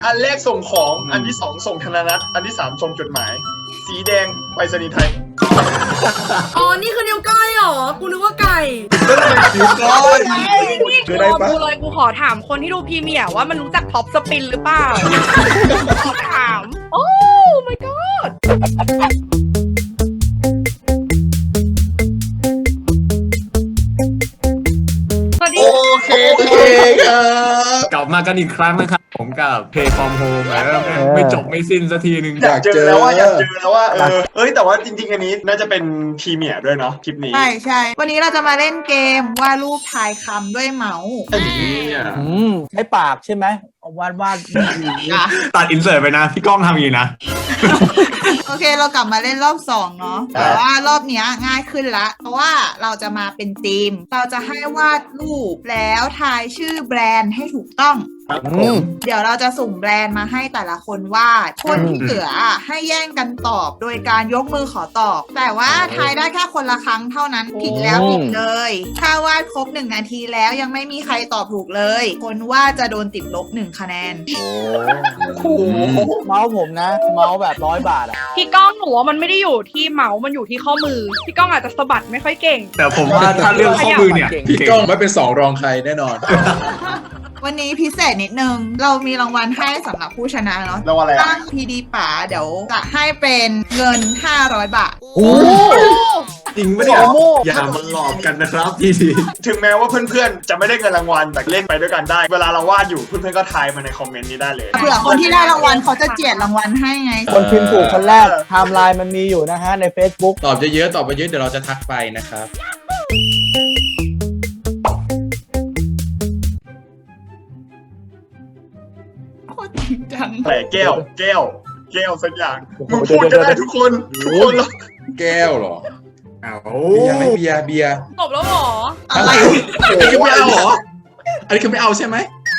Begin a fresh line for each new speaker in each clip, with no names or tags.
อันแรกส่งของอันที่สองส่งธนนัตอันที่สามส่งจดหมาย สีแดงไปรษณีย์ไทย
อ๋อ นี่คือนิ้วก้อยเหรอ กูนึกว่าไก่
นิ้วก้อย
นี่
คือได้ปะ
กูเลยกูขอถามคนที่ดูพรีเมียร์ว่ามันรู้จักท็อปสปินหรือเปล่า ขอถาม โอ้ my god สวัสดี
โอเคครับ
กลับมากันอีกครั้งนะครับผมกับเพย์ฟอร์มโฮมไม่จบไม่สิ้นสักทีหนึ่ง
อยากเจอแล้วว่าเอ้ยแต่ว่าจริงๆอันนี้น่าจะเป็นพรีเมียร์ด้วยเนาะคลิปนี้
ใช่วันนี้เราจะมาเล่นเกมวาดรูปทายคำด้วยเมาส์
ใช้ปากใช่ไหมเอาวาด
ตัดอินเสิร์ตไปนะ พี่ก้องทำอย่างนี้นะ
โอเคเรากลับมาเล่นรอบ2เนาะแต่ว่ารอบเนี้ยง่ายขึ้นละเพราะว่าเราจะมาเป็นทีม เราจะให้วาดรูปแล้วทายชื่อแบรนด์ให้ถูกต้อง เดี๋ยวเราจะสุ่มแบรนด์มาให้แต่ละคนวาดคนที่เหลือให้แย่งกันตอบโดยการยกมือขอตอบ แต่ว่าทายได้แค่คนละครั้งเท่านั้นผิดแล้วผิดเลย ถ้าวาดครบ1 นาทีแล้วยังไม่มีใครตอบถูกเลย คนวาดจะโดนติดลบ1 คะแนน
เมาส์ผมนะ เมาส์แบบ100 บาทอ่ะ
พี่ก้องหนูว่ามันไม่ได้อยู่ที่เมาส์มันอยู่ที่ข้อมือ พี่ก้องอาจจะสะบัดไม่ค่อยเก่ง
แต่ผมว่าถ้าเรื่องข้อมือเนี่ย
พี่ก้องไม่เป็น2รองใครแน่นอน
วันนี้พิเศษนิดนึง เรามีรางวัลให้สำหรับผู้ชนะเนาะ
แล้วอะไร
ตั้งพีดีป๋าเดี๋ยวจะให้เป็นเงิน500 บาท
โอ้
จริงไม่ได้อย่ามาหลอกกันนะครับพี่ที
ถึงแม้ว่าเพื่อนๆจะไม่ได้เงินรางวัลแต่เล่นไปด้วยกันได้ เวลาเราวาดอยู่เพื่อนๆก็ทายมาในคอมเมนต์นี้ได้เลย
เผื่อคนที่ได้รางวัลเขาจะเจียดรางวัลให้ไง
คนพิมพ์ถูกคนแรกไทม์ไลน์มันมีอยู่นะฮะใน Facebook
ตอบเยอะๆตอบไปเยอะเดี๋ยวเราจะทักไปนะครับ
โคตรจริงจัง
แต่แก้วสักอย่างมึงพูดก็ได้ทุกคนแล้ว
แก้วเหรอ
เอา
เบียร์ไหมเบียร์
จบแล้วเหรอ
อะไร
อันนี้คือไม่เอาเหรอ อันนี้คือไม่เอาใช่ไหม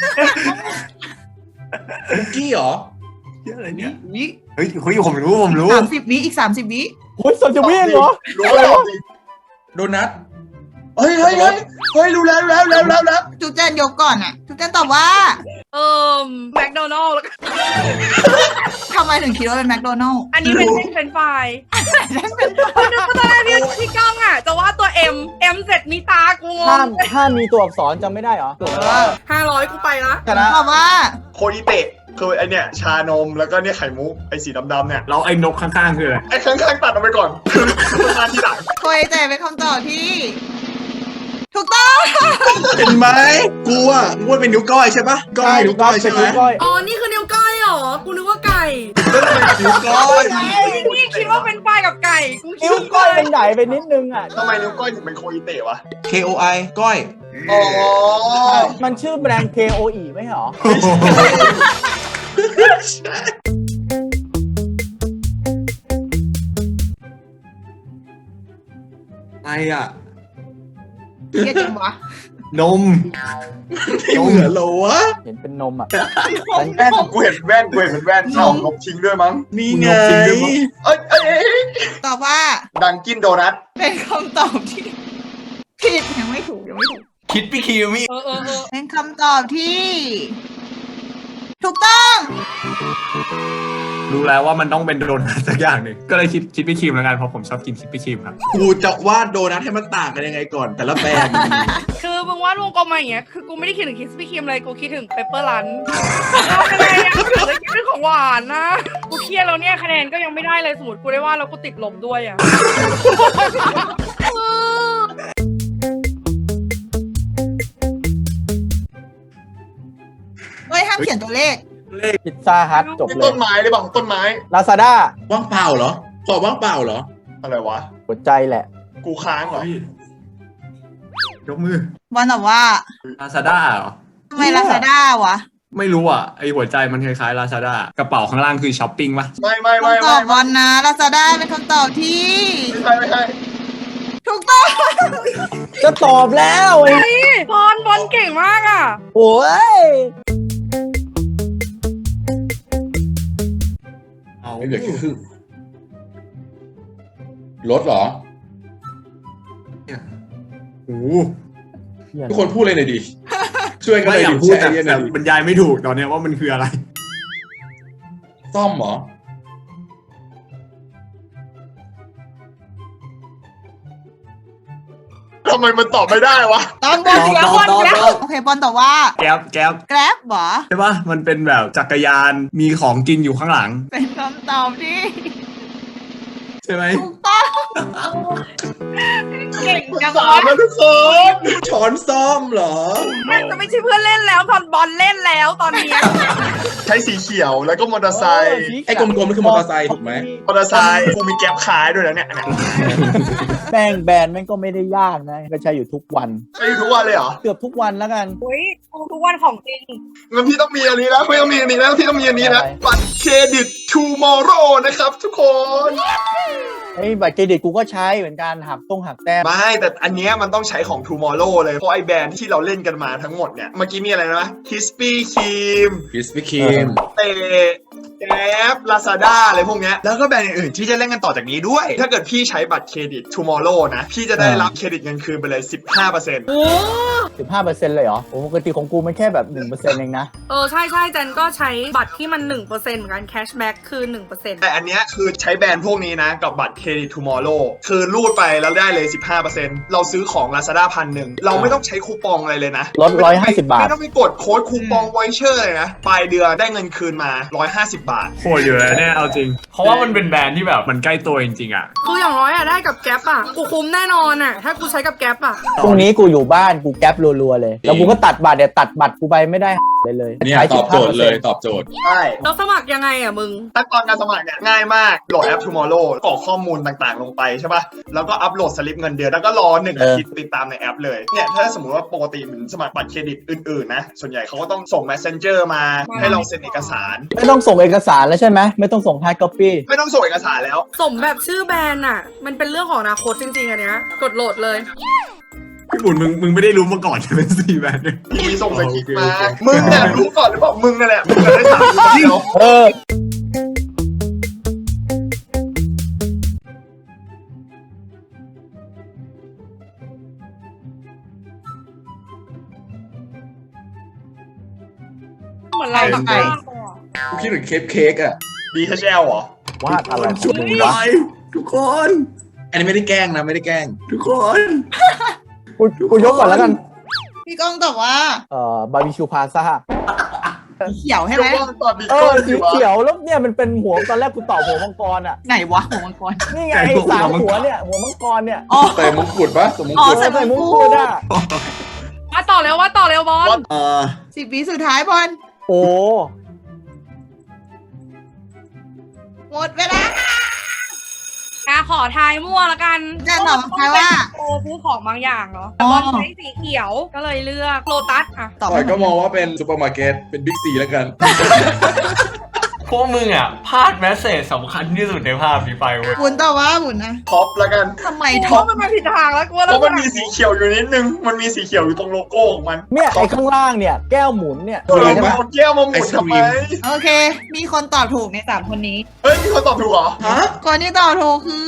คุกกี้เหรอ
อะไรเนี่ย
วิ
เฮ้ยผมรู้
30 วิอีก 30 วิ
โอ้ยสนจะวิ่งเหรอ
รู้แล้วจริง
โดนัท
เฮ้ยรู้แล้ว
จุ๊บแจนยกก่อนอะจุ๊บแจนตอบว่า
แมคโดนัลล์
ทำไมถึงคิดว่าเป็นแมคโดนัลล์
อันนี้เป็นเส้นเฟรนช์ฟรายตอนแรกพี่ก้องอ่ะจะว่าตัว M เสร็จมีตากูง
ถ้าง มีตัวอักษรจำไม่ได้เหรอ
500 กูไปละ
ชนะ
ตอบว่า
โคอิเตะคือไอเนี่ยชานมแล้วก็เนี่ยไข่มุกไอสีดำๆเนี่ย
เราไอ้นกข้างๆคืออะไร
ไอข้างๆตัดออกไปก่อนคือมาทีหลัง
โคยแต่เป็นคำตอบที่ ถูกต้อง
เห็นไหมกูอ่ะงวดเป็นนิ้วก้อยใช่ปะก้อยนิ้วก้อยใช่ไหม
นิ้วก้อย
อ๋อ นี่คือนิ้วก้อยเหรอ กูนึกว่าไก่
นิ้วก้อย
นี่คิดว่าเป็นไฟรายกับไก่กูคิด
นิ้วก้อยมันใหญ่ไปนิดนึงอ่ะ
ทำไมนิ้วก้อยถึงเป็นโคอิเตะวะ
KOI ก้อย
อ๋อ
มันชื่อแบรนด์ KOE ไม่ใช่เหรอ
ไอ้อะ
เรียกจริงวะ
นม
ไม่เหมือนเหรอวะ
เห็นเป็นนมอ่ะ
แว่นกูเห็นแว่นเอาลบทิ้งด้วยมั้ง
นี่ไง
เอ้ย
ตอบว่า
ดังกินโดนัท
เป็นคำตอบที่ผิดยังไม่ถูก
คิดพี่คิวมี่
เป็นคำตอบที่ ถูกต้อง
รู้แล้วว่ามันต้องเป็นโดนัทสักอย่างหนึ่งก็เลยคิดพี่ครีมแล้วกันเพราะผมชอบกินคิดพี่ครีมครับ
กูจะวาดโดนัทให้มันต่างกันยังไงก่อน แต่ละแบรนด์
คือมึงวาดวงกลมมาอย่างเงี้ยคือกูไม่ได้คิดถึงคิสปี้ครีมเลยกูคิดถึงเปปเปอร์รันอะไรอะกูถึงได้คิดเป็นของหวานนะกูเครียดแล้วเนี่ยคะแนนก็ยังไม่ได้เลยสมมติกูได้วาดแล้วกูติดลบด้วยอะ
เฮ้ยห้ามเขียนตัวเลข
พิซซ่าฮัทจบเล
ต้
ย
นไม้หรือเปล่าต้นไม้
ลาซาด้า
ว่างเปล่าเหรอตอบว่างเปล่าเหรอ
อะไรวะ
หัวใจแหละ
กูค้างเหรอ
ยกมือ
วันตอบว่า
ลาซาด้าเหรอ
ทำไมลาซาด้าวะ
ไม่รู้อ่ะไอหัวใจมันคล้ายๆลาซาด้ากระเป๋าข้างล่างคือช้อปปิ้งปะ
ไม่
คำตอบวันนะลาซาด้าเป็นคำตอบที่
ไม่ใช่
ถูกต้อง
จะตอบแล้วไอ้
บอลเก่งมากอะ
โอ้ย
เอา
ไม่เหลือแค่ครึ่งรถเหรอ
โอ้โห
ทุกคนพูดเลยหน่อยดิ ช่วยกัน
ไม่
เลย
อยา
ดิ
กพูด
แชร์ไอเดียหน่
แต่
อยดิ
บรรยายไม่ถูกตอนเนี้ยว่ามันคืออะไร
ซ่อมเหรอ
ทำไมมันตอบไม่ได้วะ
ตอนบนเสียบอลแล้วโอเคบอลตอบว่า
แก๊ป
แกร็บเหรอ
ใช่ปะมันเป็นแบบจักรยานมีของกินอยู่ข้างหลัง
เป็นคำตอบที่
ใช่ไหม
ถูกต้อง
เก่งจัง
สามแล้วทุกคน
ช้อนซ่อมเหรอ
มันจะไม่ใช่เพื่อนเล่นแล้วตอนบอลเล่นแล้วตอนเนี้ย
ใช้สีเขียวแล้วก็มอเตอร์ไซค์
ไอ้กลมๆนี่คือมอเตอร์ไซค์ถูกไหม
มอเตอร์ไซค์กูมีแก๊ปขายด้วยนะเนี่ย
แป้งแบรนด์แม่งก็ไม่ได้ยากนะ ก็ใช้อยู่ทุกวัน
ใช้อยู่ทุกวันเลยเหรอ
เกือบทุกวันแล้วกัน
อุ้ยทุกวันของจริง
งั้นพี่ต้องมีอันนี้แล้วพี่ต้องมีอันนี้แล้วพี่ต้องมีอันนี้นะ
อะไร
บัตรเครดิต Tomorrow นะครับทุกคน
ไอ้บัตรเครดิตกูก็ใช้เหมือนกันหักแต้ม
ไม่แต่อันเนี้ยมันต้องใช้ของ Tomorrow เลยเพราะไอ้แบรนด์ที่เราเล่นกันมาทั้งหมดเนี่ยเมื่อกี้มีอะไรนะ Krispy Kreme
คริสปี้ครีม
เตแกร็บ Lazada อะไรพวกเนี้ยแล้วก็แบรนด์อื่นๆที่จะเล่นกันต่อจากนี้ด้วย ถ้าเกิดพี่ใช้บัตรเครดิต Tomorrow นะพี่จะได้รับเครดิตเงินคืนไปเลย 15%
โอ้
15%เลยเหรอโอ้ปกติของกูมันแค่แบบ 1%เองนะ
ใช่ใช่เจนก็ใช้บัตรที่มัน 1%เหมือนกันแคชแบ็กคือ 1%
แต่อันเนี้ยคือใช้แบรนด์พวกนี้นะกับบัตรเครดิต Tomorrow คือรูดไปแล้วได้เลย 15% เราซื้อของ Lazada 1,000เราไม่ต้องใช้คูปองอะไรเลยนะ
ลด150 บาท
ไม่ต้องไปกดโค้ดคูปองไวเชอร์เลยนะปลายเดือนได้เงินคืนมา 150 บาท
โหดอยู่แล้วเนี่ยเอาจริง เพราะว่ามันเป็นแบรนด์ที่แบบมันใกล้ตัวจริงๆอ่ะ
คืออย่างน้อยอะได้กับแก๊ปอะกูคุ้มแน่นอนอะถ้ากูใช้กับแก๊ปอะ
พรุ่งนี้กูอยู่บ้านกูแก๊ปรัวๆเลย แล้วกูก็ตัดบัตรตัดบัตรกูไปไม่ได้เลย
เนี่ย
ใช้
ตอบโจทย์เลย
15%
ตอบโจทย์
ใช่
แล้วสมัครยังไงอะมึง
ขั้นตอนการสมัครเนี่ยง่ายมากโหลดแอป Tomorrow กรอกข้อมูลต่างๆ ลงไปใช่ป่ะ แล้วก็อัปโหลดสลิปเงินเดือนแล้วก็รอ1 อาทิตย์ติดตามในแอปเลย เนี่ยถ้าสมมติว่าปกติเหมือนสมัครบัตรเครดิตอื่นๆนะ ส่วนใหญ่เขาก็ต้องส่ง Messenger มาให้เราเซ็นเอกสาร
ไม่ต้องส่งเอกสารแล้วใช่ไหมไม่ต้องส่ง hard copy
ไม่ต้องส่งเอกสารแล้ว
สมแบบชื่อแบรนด์อะมันเป็นเรื่องของอนาคตจริงๆอันเนี้ยกดโหลดเลย
พี่บุญมึงไม่ได้รู้มาก่อนใช่ไหมสี่แบรนด์เนี่ย
มีส่งสคริปต์มา
โอเค
มึงเนี่ยรู้ก่อนหรือเปล่ามึงนั่นแหละมึงจะได้ถามกูเดียว
เออ
เหมือนเรา
ใช่
แบบ
กูคิดถึงเค้กอ่ะ
DHL เหรอ
วาดอะไร
ช่วยหน่อยทุกคน
อันนี้ไม่ได้แกล้งนะไม่ได้แกล้ง
ทุกคน
กูยกก่อนแล้วกัน
พี่ก้องตอบว่า
บาร์บีคิวพาซ่า
สีเขียวใช่
เดี๋
ไห
ย
ม
วว่าตอบบิ๊ก
เอ
โก้
อ
ดี
สี
วะ
เขียวแล้วเนี่ยมันเป็นหัวตอนแรกกูตอบหัวมังกรอ่ะ
ไหนวะหัวมังกร
นี่ไงไอ้สามหัวเนี่ยหัวมังกรเนี่ย
อ๋อ
ใส่มงกุฎปะสมมง
อ๋อ
กุฎ
ใส่
ใส่มุ้งกูดอ่ะ
ว่าต่อเร็วบอล
10 วิสุดท้ายบอล
โอ้
หมดเวลา
ขอทายมั่วละกัน
จะตอบทายว่า
โอ้ซื้อของบางอย่างเนาะ
อ๋
บ
อ
อลใช้สีเขียวก็เลยเลือกโลตัสอะ
ตอบ
ต่อยก็มองว่าเป็นซูเปอร์มาร์เก็ตเป็นบิ๊กซีแล้วกัน
พวกมึงอ่ะพลาดแมสเซจสำคัญที่สุดในภาพนี้ไปเว้ย
บุญตอบว่าบุญนะ
ท็อปแล้วกัน
ทำไม
เพ
ท็อป
ราะมันมาผิดทางแล้วกูว่า
เพราะมันมีสีเขียวอยู่นิดนึง มันมีสีเขียวอยู่ตรงโลโก้ของมัน
เนี่ยไอ้ข้างล่างเนี่ยแก้วหมุนเนี่ย
เออมันเอาแก้วมาหมุนทำไม
โอเค มีคนตอบถูกใน3คนนี้
เฮ้ยมีคนตอบถูกเหรอ
ฮะ
คนที่ตอบถูกคือ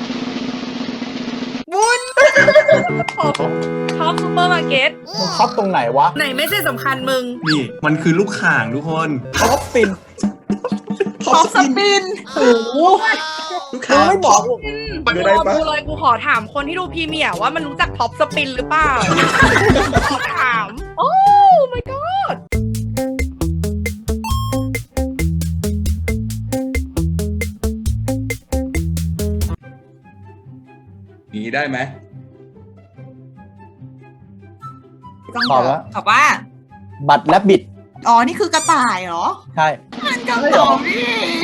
บุญ
ท็อปซูเปอร์มาร์เก็ต
มึงท็อปตรงไหนวะ
ไหนไม่ใช่สำคัญมึง
นี่มันคือลูกข่างทุกคน
ท็อปปิน
ท็อปสปิน
โอ้โห
ลูก
มึ
ค้าง
ไม่บอก
มันได้ปะ
ดูเลยกูขอถามคนที่ดูพรีเมียร์ว่ามันรู้จักท็อปสปินหรือเปล่า ขอถาม โอ้ my god
อย่างนี้ได้ไหม
ตอบแล้ว
ตอบว่า
บัตรและบิด
อ๋อ นี่คือกระต่ายเหรอ
ใช่
มันคำตอบพี่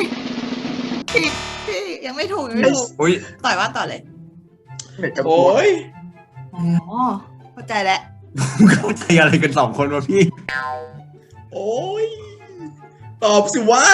พี่ยังไม่ถูกยังไม่ถูก
อุ้ย
ต่อยว่าต่อเลย
เน็ตกระ
โอ้
โดด
ย
อ๋อ เข้าใจแล้ว
เข้าใจอะไรกันสองคนวะพี่
โอ้ยตอบสิวะ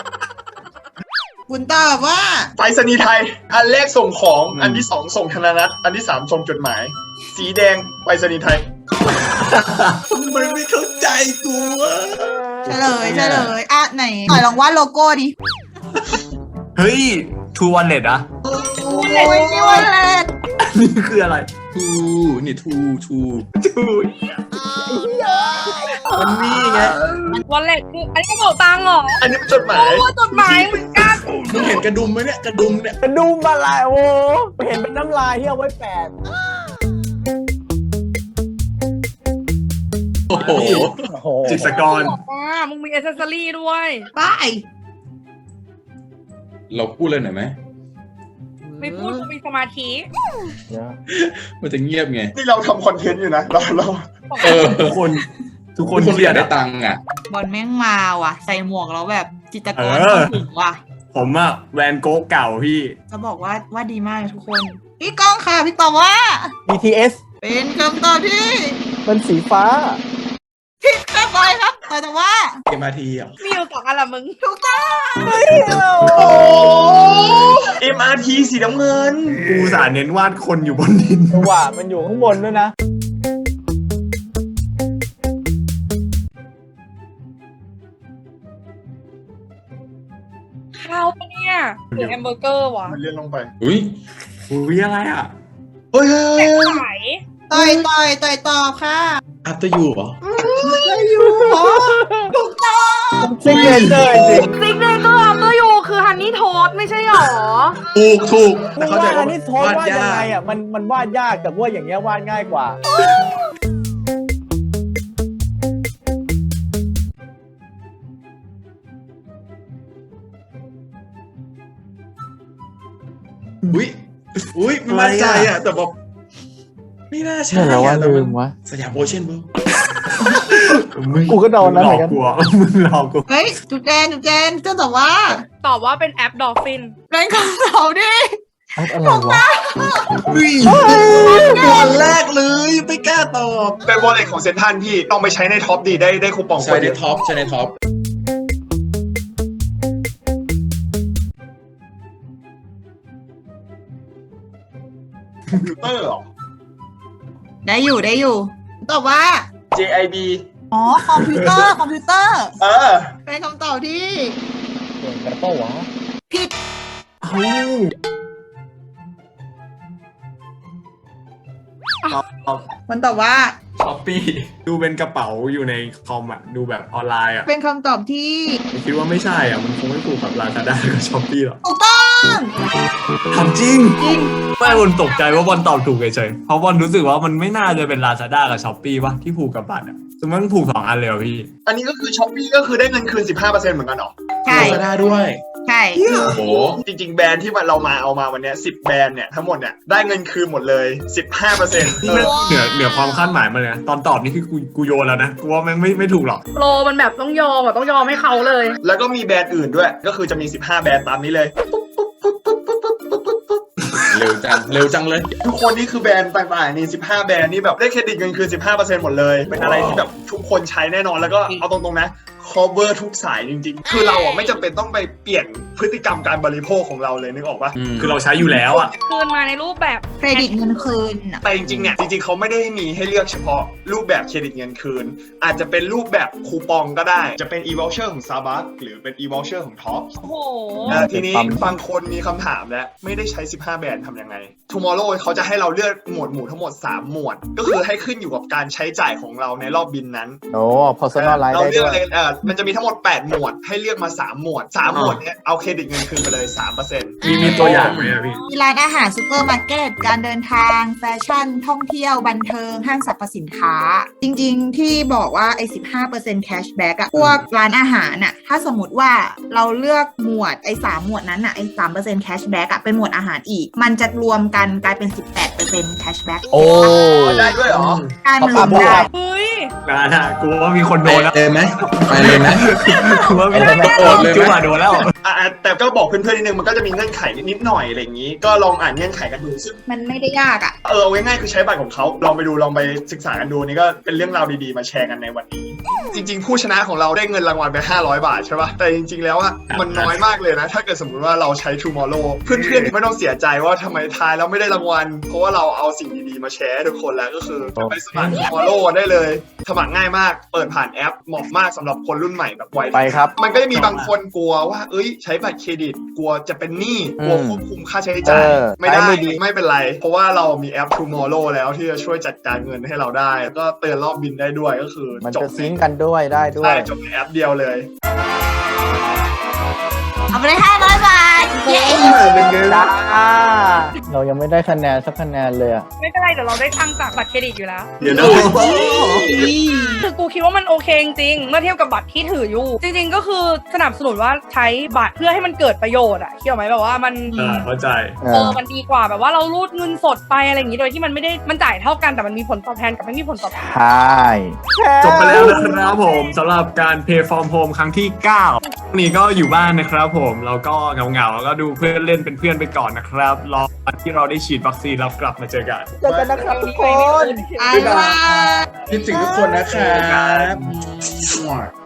คุณตอบว่า
ไปรษณีย์ไทย อันแรกส่งของ อันที่ 2 ส่งธนนัตอันที่ 3 ส่งจดหมาย สีแดงไปรษณีย์ไทย
ทำไมไม่เข้าใจกูวะ
เฉลยอ่ะไหนต่อยลองวาดโลโก้ดิ
เฮ้ยทูวันเลดอะ
โอ้ยนี่วันแรก
นี่คืออะไร
ทูนี่ทู
ทู
มันนี่ไง
วันเล็กคืออันนี้กระเป๋าตังค์เหรอ
อันนี้เป็นจดหมาย
โอ้จดหมายเหมือนกัน
มึงเห็นกระดุมไหมเนี่ยกระดุมเนี่ย
กระดุมอะไรโอ้เห็นเป็นน้ำลายที่เอาไว้แปะ
โอ้โห
โอ้โห
จิตรกร
มึงมีอ c เซสซอรี่ด้วย
ไป
เราพูดเลยหน่อยไหม
ไม่พูดกูมีสมาธิ
มันจะเงียบไง
นี่เราทำคอนเทนต์อยู่นะเรา
เออ
ทุกคน
ทุกคน
เครี
อย ยา
ด
กได้
อะ
ตังค์อ่ะ
บอลแม่งมาว่ะ ใส่หมวกแล้วแบบจิตรกร
เออ
เข้าถึงว่ะ
ผมอะแวนโก๊กเก่าพี่
จะบอกว่าดีมากเลยทุกคน พี่ก้องค่ะ พี่ตอบว่า
BTS
เป็นคำตอบที่
มันสีฟ้า
ผิดครับบอยครับแต่ว่า
MRT อ่ะ
มีอยู่2 อันละมึง
ถูกต้อง
โอ้ MRT สีน้ำเงิน
กูสาเน้นวาดคนอยู่บนดิน
จังหวะมันอยู่ข้างบนด้วยนะ
ข้าวปะเนี่ยหรือแฮมเบอร์เกอร์วะ
มันเลื่อนลงไป
อุ้ย
อุ้ยอะไรอะ
เฮ้ย
แตกใส
ต่อยตอบค่ะ
After You เหรอ
ถูกต้อง
ซิงเกิลเลยจริง
ซิกเนเจอร์อัพเตอร์ยูคือฮันนี่โทสไม่ใช่หรอ
ถูก
มึ
แต่
ง
เข้าใจ
ว่าอั
ว่าน
นี้โทษวาดยังไงอ่ะมันวาดยากแต่ว่าอย่างเงี้ยวาดง่ายกว่า
อุ้ยไม่มั่นใจอ่ะ แต่บอกไม่น่าใช่
แล้วว่า
แต่
ลื
น
มวะ
สยามโอเชียนเวิลด์
กูก็โดนนะ
หล
เหมื
อ
อก นกัน
กูอะมึงหลอกกู
เฮ้ยจุดแจนจะตอบว่า
ตอบว่าเป็นแอปดอลฟิน
เป็นคำตอบที่
อะไรวะ
ตอนแรกเลยไม่กล้าตอบ
เป็นวอลเล็ตของเซนทันพี่ลองไปใช้ในท็อปดีได้คูปอง
ใช่ในท็อปใช่ในท็อป
คอมพิวเตอร์เหรอ
ได้อยู่ตอบว่า
JIB
อ๋อคอมพิวเตอร์
เออ
เป็นคำตอบที่
เก่งแต่เป้าวะ
ผิด
เฮ้ย
มันตอบว่า
ช้อปปี้ดูเป็นกระเป๋าอยู่ในคอมอะดูแบบออนไลน์อะ
เป็นคำตอบที่
คิดว่าไม่ใช่อะมันคงไม่ถูกกับลาซาด้ากับช้อปปี้หรอก
ถูกต้อง
ทำจริง
จริง
ไม่บอลตกใจว่าบอลตอบถูกเฉยๆเพราะบอลรู้สึกว่ามันไม่น่าจะเป็นลาซาด้ากับช้อปปี้ป่ะที่ผูกกับบัตรอะสมมติมันผูก2 อันเลยเหรอพี่
อันนี้ก็คือช้อปปี้ก็คือได้เงินคืน 15%เหมือนกันเหรอ
ใช่
ลาซาด้าด้วย
ใช่
โอ้โห
จริงๆ แบรนด์ที่เรามาเอามาวันเนี้ย10 แบรนด์เนี่ยทั้งหมดเนี่ยได้เงินคืนหมดเลย 15%
นี่มันเหนือความคาดหมายมาเลยนะตอนตอบนี่คือกูโยนแล้วนะกูว่ามันไม่ถูกหรอก
โปรมันแบบต้องยอมต้องยอมให้เขาเลย
แล้วก็มีแบรนด์อื่นด้วย ก็คือจะมี 15 แบรนด์ตามนี้เลย
เร็วจังเลย
ทุกคนนี่คือแบรนด์ต่างๆนี่15 แบรนด์นี่แบบได้เครดิตเงินคืน 15% หมดเลย เป็นอะไรที่แบบทุกคนใช้แน่นอนแล้วก็เอาตรงๆนะ cover ทุกสายจริงๆ คือเราอ่ะไม่จำเป็นต้องไปเปลี่ยนพฤติกรรมการบริโภคของเราเลยนึกออกปะ
คือเราใช้อยู่แล้วอะ
คืนมาในรูปแบบ
เครดิตเงินคืนน่ะ
แต่จริงๆเนี่ยจริงๆเขาไม่ได้มีให้เลือกเฉพาะรูปแบบเครดิตเงินคืน อาจจะเป็นรูปแบบคูปองก็ได้ จะเป็น e-voucher ของ Starbucks หรือเป็น e-voucher ของ Top
โอ้โห
ทีนี้บางคนมีคำถามแล้วไม่ได้ใช้ 15 แบรนด์ทำยังไง Tomorrow เขาจะให้เราเลือกหมวดหมู่ทั้งหมด 3 หมวด ก็คือให้ขึ้นอยู่กับการใช้จ่ายของเราในรอบบินนั้น
โอ้ personalize
เรา
ได้
เลื
ด้
อก
วย
เลยมันจะมีทั้งหมด 8 หมวด ให้เลือกมา 3 หมวด 3 หมวดเนี้ยเอาเครดิตเงินคืนไปเลย 3%
มีตัวอย่างไหมอะพี่
มีร้านอาหารซูเปอร์มาร์เก็ตการเดินทางแฟชั่น ท่องเที่ยวบันเทิงห้างสรรพสินค้า จริงๆที่บอกว่าไอ้15% cashback อะพวกร้านอาหารอะถ้าสมมติว่าเราเลือกหมวดไอ้3หมวดนั้นอะไอ้3% cashback อะเป็นหมวดอาหารอีก มันจะรวมกันกลายเป็น 18% cashback
โอ้
ได้ด้วยเหรอ
การมันรวมได้
เฮ้ย
งานอะกูว่ามีคนโดนแล้ว
เลยไหมไปเลยไหม
กูว่ามีคนโดนจุ๊บมาโดนแล้ว
แต่ก็บอกเพื่อนๆนิดนึงมันก็จะมีเงื่อนไขนิดหน่อยอะไรอย่างนี้ ก็ลองอ่านเงื่อนไขกันดูซึ่ง
มันไม่ได้ยากอะ
เอาง่ายๆคือใช้บัตรของเขาลองไปดูลองไปศึกษากันดูนี่ก็เป็นเรื่องราวดีๆมาแชร์กันในวันนี้ จริงๆ ผู้ชนะของเราได้เงินรางวัลไป500 บาทใช่ป่ะแต่จริงๆแล้วอะมันน้อยมากเลยนะถ้าเกิดสมมติว่าเราใช้ Tomorrow เพื่อนๆไม่ต้องเสียใจว่าทำไมทายแล้วไม่ได้รางวัลเพราะว่าเราเอาสิ่งดีๆมาแชร์ให้ทุกคนแล้วก็คือไปสมัคร Tomorrow ได้เลยสมัครง่ายมากเปิดผ่านแอปเหมาะมากสำหรับคนรุ่นใหม่แบบวัย
ไปครับ
มันก็จะมีบางคนกลัวว่าเอ้ยใช้บัตรเครดิตกลัวจะเป็นหนี้กลัวควบคุมค่าใช้จ่ายไม่ได้
ใช้ไม่ดี
ไม่เป็นไร เพราะว่าเรามีแอป Tomorrow แล้วที่จะช่วยจัดการเงินให้เราได้แล้วก็เตือนรอบบินได้ด้วยก็คือ
มัน
จบ
จะซิงงก์กันด้วยได้ด้ว
ใช่
ย
จบในแอปเดียวเลย
เอาไปเลย500 บาท เย้
เป็นไงล่ะ
จ้าเรายังไม่ได้คะแนนสักคะแนนเลยอะ
ไม่เป็นไรเดี๋ยวเราได้ตังค์จากบัตรเครดิตอยู่แล้ว
เดี๋ยวนะ
คือกูคิดว่ามันโอเคจริงๆเมื่อเทียบกับบัตรที่ถืออยู่ จริง ๆ ก็คือสนับสนุนว่าใช้บัตรเพื่อให้มันเกิดประโยชน์อะเกี่ยวไหมแบบว่ามัน
เข้าใจ
มันดีกว่าแบบว่าเรารูดเงินสดไปอะไรอย่างนี้โดยที่มันไม่ได้มันจ่ายเท่ากันแต่มันมีผลตอบแทนกับไม่มีผลตอบแทน
ใช่
จบไปแล้วนะครับผมสำหรับการ Pay from Home ครั้งที่ 9วันนี้ก็อยู่บ้านนะครับผมเราก็เหงาๆแล้วก็ดูเพื่อนเล่นเป็นเพื่อนไปก่อนนะครับรอวันที่เราได้ฉีดวัคซีนแล้วกลับมาเจอกัน
เจอกันนะครับทุกคน
บ๊ายบาย
คิดถึงทุกคนนะครับ